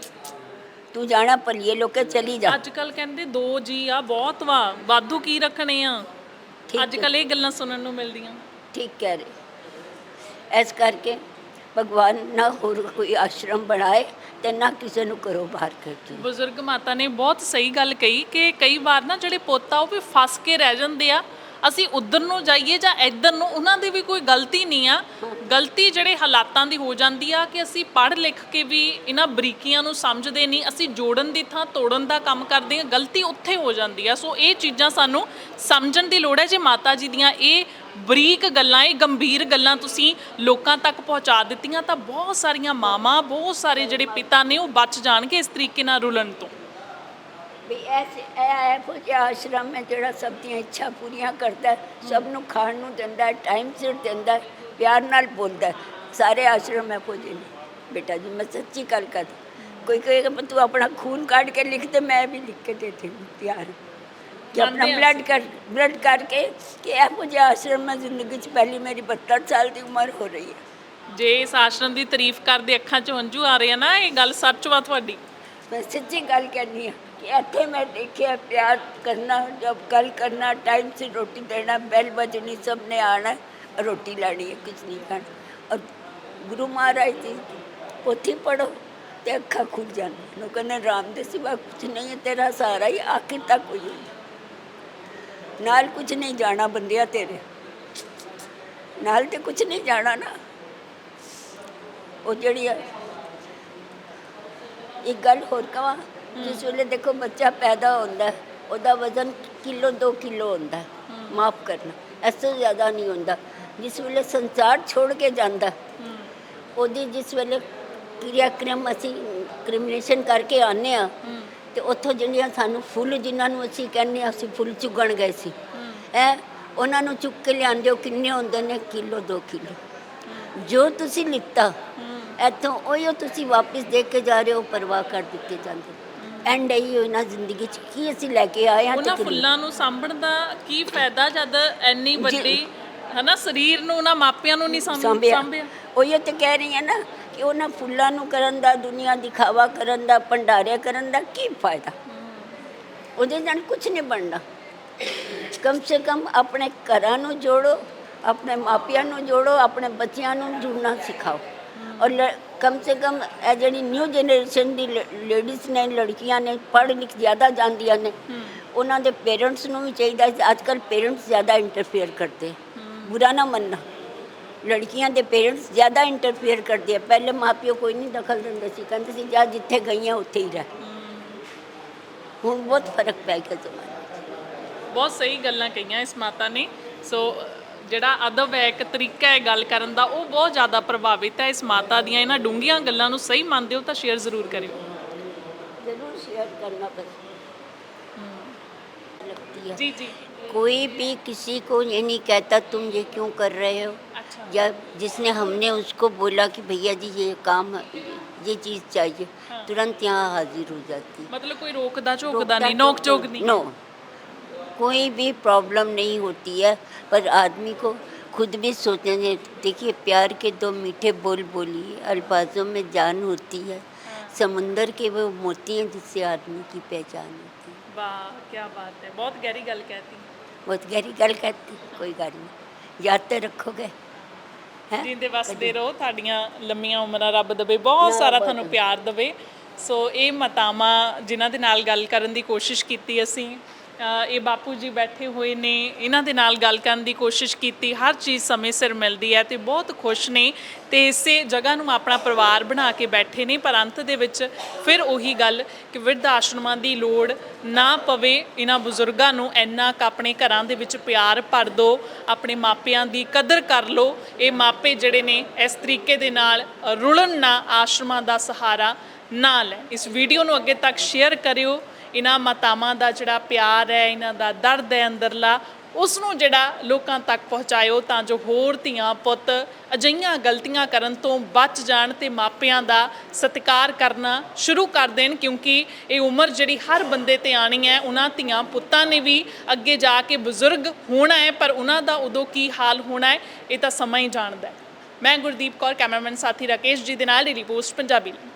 ਤੂੰ ਜਾਣਾ ਭਲੀਏ ਲੋਕੇ ਚਲੀ ਜਾ।
ਅੱਜ ਕੱਲ ਕਹਿੰਦੇ ਦੋ ਜੀ ਆ ਬਹੁਤ ਵਾ, ਵਾਧੂ ਕੀ ਰੱਖਣੇ ਆ।
ਠੀਕ
ਅੱਜ
ਹੈ।
ਕੱਲ ਇਹ ਗੱਲਾਂ ਸੁਣਨ ਨੂੰ ਮਿਲਦੀਆਂ।
ਠੀਕ ਕਹਿ ਰਹੇ। ਇਸ ਕਰਕੇ ਭਗਵਾਨ ਨਾ ਹੋਰ ਕੋਈ ਆਸ਼ਰਮ ਬਣਾਏ ਤੇ ਨਾ ਕਿਸੇ ਨੂੰ ਕਰੋ ਬਾਹਰ ਕਰਕੇ।
ਬਜ਼ੁਰਗ ਮਾਤਾ ਨੇ ਬਹੁਤ ਸਹੀ ਗੱਲ ਕਹੀ ਕਿ ਕਈ ਵਾਰ ਨਾ ਜਿਹੜੇ ਪੁੱਤ ਆ ਉਹ ਵੀ ਫਸ ਕੇ ਰਹਿ ਜਾਂਦੇ ਆ। ਅਸੀਂ ਉਧਰ ਨੂੰ ਜਾਈਏ ਜਾਂ ਇੱਧਰ ਨੂੰ, ਉਹਨਾਂ ਦੀ ਵੀ ਕੋਈ ਗਲਤੀ ਨਹੀਂ ਆ। ਗਲਤੀ ਜਿਹੜੇ ਹਾਲਾਤਾਂ ਦੀ ਹੋ ਜਾਂਦੀ ਆ ਕਿ ਅਸੀਂ ਪੜ੍ਹ ਲਿਖ ਕੇ ਵੀ ਇਹਨਾਂ ਬਰੀਕੀਆਂ ਨੂੰ ਸਮਝਦੇ ਨਹੀਂ, ਅਸੀਂ ਜੋੜਨ ਦੀ ਥਾਂ ਤੋੜਨ ਦਾ ਕੰਮ ਕਰਦੇ ਹਾਂ। ਗਲਤੀ ਉੱਥੇ ਹੋ ਜਾਂਦੀ ਆ। ਸੋ ਇਹ ਚੀਜ਼ਾਂ ਸਾਨੂੰ ਸਮਝਣ ਦੀ ਲੋੜ ਹੈ। ਜੇ ਮਾਤਾ ਜੀ ਦੀਆਂ ਇਹ ਬਰੀਕ ਗੱਲਾਂ, ਇਹ ਗੰਭੀਰ ਗੱਲਾਂ ਤੁਸੀਂ ਲੋਕਾਂ ਤੱਕ ਪਹੁੰਚਾ ਦਿੱਤੀਆਂ ਤਾਂ ਬਹੁਤ ਸਾਰੀਆਂ ਮਾਵਾਂ, ਬਹੁਤ ਸਾਰੇ ਜਿਹੜੇ ਪਿਤਾ ਨੇ ਉਹ ਬਚ ਜਾਣਗੇ ਇਸ ਤਰੀਕੇ ਨਾਲ ਰੁਲਣ ਤੋਂ।
ਵੀ ਐਸੇ ਇਹ ਇਹੋ ਜਿਹਾ ਆਸ਼ਰਮ ਹੈ ਜਿਹੜਾ ਸਭ ਦੀਆਂ ਇੱਛਾ ਪੂਰੀਆਂ ਕਰਦਾ ਹੈ, ਸਭ ਨੂੰ ਖਾਣ ਨੂੰ ਦਿੰਦਾ ਹੈ, ਟਾਈਮ ਸਿਰ ਦਿੰਦਾ ਹੈ, ਪਿਆਰ ਨਾਲ ਬੋਲਦਾ ਹੈ। ਸਾਰੇ ਆਸ਼ਰਮ ਇਹੋ ਜਿਹੇ ਨੇ ਬੇਟਾ ਜੀ, ਮੈਂ ਸੱਚੀ ਗੱਲ ਕਰ। ਕੋਈ ਕਹੇਗਾ ਮੈਂ ਤੂੰ ਆਪਣਾ ਖੂਨ ਕੱਢ ਕੇ ਲਿਖ ਦੇ, ਮੈਂ ਵੀ ਲਿਖ ਕੇ ਦੇ ਦੇ ਤਿਆਰ ਕਿ ਆਪਣਾ ਬਲੱਡ ਕਰ ਬਲੱਡ ਕਰਕੇ ਕਿ ਇਹੋ ਜਿਹਾ ਆਸ਼ਰਮ ਮੈਂ ਜ਼ਿੰਦਗੀ 'ਚ ਪਹਿਲੀ ਮੇਰੀ ਬਹੱਤਰ ਸਾਲ ਦੀ ਉਮਰ ਹੋ ਰਹੀ ਹੈ।
ਜੇ ਇਸ ਆਸ਼ਰਮ ਦੀ ਤਾਰੀਫ ਕਰਦੇ ਅੱਖਾਂ 'ਚ ਹੰਝੂ ਆ ਰਹੇ ਆ ਨਾ, ਇਹ ਗੱਲ ਸੱਚ ਵਾ ਤੁਹਾਡੀ।
ਮੈਂ ਸੱਚੀ ਗੱਲ ਕਹਿੰਦੀ ਹਾਂ ਕਿ ਇੱਥੇ ਮੈਂ ਦੇਖਿਆ ਪਿਆਰ ਕਰਨਾ, ਜਬ ਗੱਲ ਕਰਨਾ, ਟਾइम से रोटी देना, बैल बजनी, सब ने आना है, रोटी लानी है, कुछ नहीं खाना। और गुरु महाराज जी पोथी पढ़ो तो अखा खुल जाना। लोग कहने राम दे सिवा कुछ नहीं है, तेरा सहारा ही आखिर तक हुई नाल कुछ नहीं जाना बंदिया तेरे नाल तो कुछ नहीं जाना ना। वो जड़ी है एक गल होर कवां, जिस ਵੇਲੇ देखो बच्चा पैदा होता है ਉਹਦਾ वजन किलो दो किलो होता है, माफ़ करना इस ਤੋਂ ज़्यादा नहीं होता। जिस ਵੇਲੇ संसार छोड़ के जाता ਉਹਦੀ जिस ਵੇਲੇ ਕਿਰਿਆਕ੍ਰਮ ਅਸੀਂ ਕ੍ਰਿਮੀਨੇਸ਼ਨ ਕਰਕੇ ਆਉਂਦੇ ਹਾਂ ਤੇ ਉੱਥੋਂ ਜਿਹੜੀਆਂ ਸਾਨੂੰ ਫੁੱਲ ਜਿਨ੍ਹਾਂ ਨੂੰ ਅਸੀਂ ਕਹਿੰਦੇ ਹਾਂ ਅਸੀਂ ਫੁੱਲ ਚੁਗਣ ਗਏ ਸੀ ਹੈ, ਉਹਨਾਂ ਨੂੰ ਚੁੱਕ ਕੇ ਲਿਆਉਂਦੇ ਹੋ, ਕਿੰਨੇ ਹੁੰਦੇ ਨੇ? ਕਿਲੋ ਦੋ ਕਿਲੋ। ਜੋ ਤੁਸੀਂ ਲਿੱਤਾ ਇੱਥੋਂ ਉਹੀ ਤੁਸੀਂ ਵਾਪਸ ਦੇ ਕੇ ਜਾ ਰਹੇ ਹੋ, ਪਰਵਾਹ ਕਰ ਦਿੱਤੇ ਜਾਂਦੇ। ਐਂਡ ਇਹੀ ਹੋਈ ਨਾ ਜ਼ਿੰਦਗੀ 'ਚ ਕੀ ਅਸੀਂ ਲੈ ਕੇ ਆਏ ਹਾਂ।
ਉਹਨਾਂ ਫੁੱਲਾਂ ਨੂੰ ਸਾਂਭਣ ਦਾ ਕੀ ਫਾਇਦਾ ਜਦ ਇੰਨੀ ਵੱਡੀ ਹਨਾ ਸਰੀਰ ਨੂੰ ਉਹਨਾਂ ਮਾਪਿਆਂ ਨੂੰ ਨਹੀਂ ਸਾਂਭਿਆ।
ਉਹੀ ਤਾਂ ਕਹਿ ਰਹੀ ਹਾਂ ਨਾ ਕਿ ਉਹਨਾਂ ਫੁੱਲਾਂ ਨੂੰ ਕਰਨ ਦਾ, ਦੁਨੀਆ ਦਿਖਾਵਾ ਕਰਨ ਦਾ, ਭੰਡਾਰੇ ਕਰਨ ਦਾ ਕੀ ਫਾਇਦਾ? ਉਹਦੇ ਨਾਲ ਕੁਝ ਨਹੀਂ ਬਣਨਾ। ਕਮ ਸੇ ਕਮ ਆਪਣੇ ਘਰਾਂ ਨੂੰ ਜੋੜੋ, ਆਪਣੇ ਮਾਪਿਆਂ ਨੂੰ ਜੋੜੋ, ਆਪਣੇ ਬੱਚਿਆਂ ਨੂੰ ਜੁੜਨਾ ਸਿਖਾਓ। ਔਰ ਕਮ ਸੇ ਕਮ ਇਹ ਜਿਹੜੀ ਨਿਊ ਜਨਰੇਸ਼ਨ ਦੀ ਲੇਡੀਜ਼ ਨੇ, ਲੜਕੀਆਂ ਨੇ, ਪੜ੍ਹ ਲਿਖ ਜ਼ਿਆਦਾ ਜਾਂਦੀਆਂ ਨੇ, ਉਹਨਾਂ ਦੇ ਪੇਰੈਂਟਸ ਨੂੰ ਵੀ ਚਾਹੀਦਾ ਹੈ। ਅੱਜ ਕੱਲ੍ਹ ਪੇਰੈਂਟਸ ਜ਼ਿਆਦਾ ਇੰਟਰਫੇਅਰ ਕਰਦੇ, ਬੁਰਾ ਨਾ ਮੰਨਣਾ, ਲੜਕੀਆਂ ਦੇ ਪੇਰੈਂਟਸ ਜ਼ਿਆਦਾ ਇੰਟਰਫੇਅਰ ਕਰਦੇ ਆ। ਪਹਿਲੇ ਮਾਂ ਪਿਓ ਕੋਈ ਨਹੀਂ ਦਖਲ ਦਿੰਦੇ ਸੀ, ਕਹਿੰਦੇ ਸੀ ਜਾ ਜਿੱਥੇ ਗਈਆਂ ਉੱਥੇ ਹੀ ਰਹਿ। ਹੁਣ ਬਹੁਤ ਫਰਕ ਪੈ ਗਿਆ ਜ਼ਮਾਨੇ।
ਬਹੁਤ ਸਹੀ ਗੱਲਾਂ ਕਹੀਆਂ ਇਸ ਮਾਤਾ ਨੇ। ਸੋ ਜਿਹੜਾ ਅਦਬ ਹੈ, ਇੱਕ ਤਰੀਕਾ ਹੈ ਗੱਲ ਕਰਨ ਦਾ, ਉਹ ਬਹੁਤ ਜ਼ਿਆਦਾ ਪ੍ਰਭਾਵਿਤ ਹੈ ਇਸ ਮਾਤਾ ਦੀਆਂ ਇਹਨਾਂ ਡੂੰਘੀਆਂ ਗੱਲਾਂ ਨੂੰ। ਸਹੀ ਮੰਨਦੇ ਹੋ ਤਾਂ ਸ਼ੇਅਰ ਜ਼ਰੂਰ ਕਰਿਓ।
ਜ਼ਰੂਰ ਸ਼ੇਅਰ ਕਰਨਾ ਬਸ लगती है।
जी जी।
कोई भी किसी को ये नहीं कहता तुम ये क्यों कर रहे हो।
अच्छा।
या जिसने हमने उसको बोला कि भैया जी ये काम ये चीज़ चाहिए,
हाँ।
तुरंत यहाँ हाजिर हो जाती है।
मतलब कोई रोकदा झोंकदा
रोकता
नहीं, नोक झोंक नहीं।
नो, कोई भी प्रॉब्लम नहीं होती है। पर आदमी को खुद भी सोचना चाहिए। देखिए प्यार के दो मीठे बोल बोलिए, अल्फाजों में जान होती है। समुंदर के वो मोती हैं जिससे आदमी की पहचान होती है।
वाह क्या बात है, बहुत गहरी गल कहती।
बहुत गहरी गल कहती, कोई गल नहीं, याद तो रखोगे। हैं?
ਜਿੰਦੇ ਵਸਦੇ ਰਹੋ, ਤੁਹਾਡੀਆਂ ਲੰਮੀਆਂ ਉਮਰਾਂ ਰੱਬ ਦੇਵੇ, ਬਹੁਤ ਸਾਰਾ ਤੁਹਾਨੂੰ ਪਿਆਰ ਦੇਵੇ। ਸੋ ਇਹ ਮਾਤਾਵਾਂ ਜਿਨ੍ਹਾਂ ਦੇ ਨਾਲ ਗੱਲ ਕਰਨ ਦੀ ਕੋਸ਼ਿਸ਼ ਕੀਤੀ ਅਸੀਂ, ਇਹ ਬਾਪੂ ਜੀ ਬੈਠੇ ਹੋਏ ਨੇ, ਇਹਨਾਂ ਦੇ ਨਾਲ ਗੱਲ ਕਰਨ ਦੀ ਕੋਸ਼ਿਸ਼ ਕੀਤੀ। ਹਰ ਚੀਜ਼ ਸਮੇਂ ਸਿਰ ਮਿਲਦੀ ਹੈ ਤੇ ਬਹੁਤ ਖੁਸ਼ ਨੇ ਤੇ ਇਸੇ ਜਗ੍ਹਾ ਨੂੰ ਆਪਣਾ ਪਰਿਵਾਰ ਬਣਾ ਕੇ ਬੈਠੇ ਨੇ। ਪਰ ਅੰਤ ਦੇ ਵਿੱਚ ਫਿਰ ਉਹੀ ਗੱਲ ਕਿ ਬਿਰਧ ਆਸ਼ਰਮਾਂ ਦੀ ਲੋੜ ਨਾ ਪਵੇ। ਇਹਨਾਂ ਬਜ਼ੁਰਗਾਂ ਨੂੰ ਇੰਨਾ ਕੁ ਆਪਣੇ ਘਰਾਂ ਦੇ ਵਿੱਚ ਪਿਆਰ ਭਰ ਦਿਓ, ਆਪਣੇ ਮਾਪਿਆਂ ਦੀ ਕਦਰ ਕਰ ਲਓ। ਇਹ ਮਾਪੇ ਜਿਹੜੇ ਨੇ ਇਸ ਤਰੀਕੇ ਦੇ ਨਾਲ ਰੁਲਣ ਨਾ, ਆਸ਼ਰਮਾਂ ਦਾ ਸਹਾਰਾ ਨਾ ਲੈ। ਇਸ ਵੀਡੀਓ ਨੂੰ ਅੱਗੇ ਤੱਕ ਸ਼ੇਅਰ ਕਰਿਓ। ਇਹਨਾਂ ਮਾਤਾਵਾਂ ਦਾ ਜਿਹੜਾ ਪਿਆਰ ਹੈ, ਇਹਨਾਂ ਦਾ ਦਰਦ ਹੈ ਅੰਦਰਲਾ, ਉਸ ਨੂੰ ਜਿਹੜਾ ਲੋਕਾਂ ਤੱਕ ਪਹੁੰਚਾਇਓ ਤਾਂ ਜੋ ਹੋਰ ਧੀਆਂ ਪੁੱਤ ਅਜਿਹੀਆਂ ਗਲਤੀਆਂ ਕਰਨ ਤੋਂ ਬਚ ਜਾਣ ਤੇ ਮਾਪਿਆਂ ਦਾ ਸਤਿਕਾਰ ਕਰਨਾ ਸ਼ੁਰੂ ਕਰ ਦੇਣ। ਕਿਉਂਕਿ ਇਹ ਉਮਰ ਜਿਹੜੀ ਹਰ ਬੰਦੇ ਤੇ ਆਣੀ ਹੈ, ਉਹਨਾਂ ਧੀਆਂ ਪੁੱਤਾਂ ਨੇ ਵੀ ਅੱਗੇ ਜਾ ਕੇ ਬਜ਼ੁਰਗ ਹੋਣਾ ਹੈ, ਪਰ ਉਹਨਾਂ ਦਾ ਉਦੋਂ ਕੀ ਹਾਲ ਹੋਣਾ ਹੈ ਇਹ ਤਾਂ ਸਮਾਂ ਹੀ ਜਾਣਦਾ ਹੈ। ਮੈਂ ਗੁਰਦੀਪ ਕੌਰ, ਕੈਮਰਾਮੈਨ ਸਾਥੀ ਰਾਕੇਸ਼ ਜੀ ਦੇ ਨਾਲ ਡੇਲੀ ਪੋਸਟ ਪੰਜਾਬੀ।